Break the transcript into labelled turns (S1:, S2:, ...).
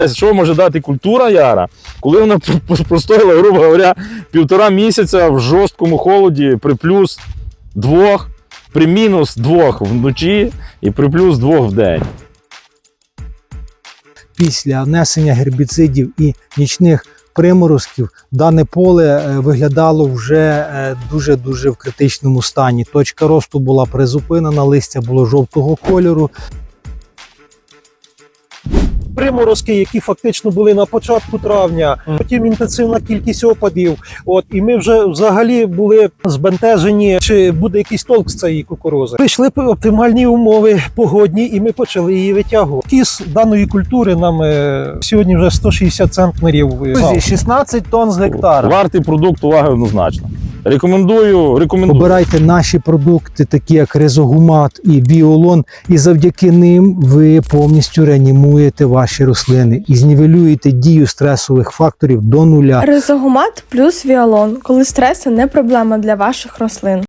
S1: Що може дати культура яра, коли вона простояла, грубо говоря, 1,5 місяця в жорсткому холоді при плюс 2, при мінус 2 вночі і при плюс 2 в день.
S2: Після внесення гербіцидів і нічних приморозків дане поле виглядало вже дуже-дуже в критичному стані. Точка росту була призупинена, листя було жовтого кольору.
S3: Приморозки, які фактично були на початку травня, потім інтенсивна кількість опадів. І ми вже взагалі були збентежені, чи буде якийсь толк з цієї кукурузи. Прийшли оптимальні умови погодні, і ми почали її витягувати. Кіс даної культури нам сьогодні вже 160 центнерів.
S2: 16 тонн з гектара.
S1: Вартий продукт уваги однозначно. Рекомендую.
S2: Обирайте наші продукти, такі як Резогумат і Біолон, і завдяки ним ви повністю реанімуєте ваші рослини і знівелюєте дію стресових факторів до нуля.
S4: Резогумат плюс Віолон, коли стреси не проблема для ваших рослин.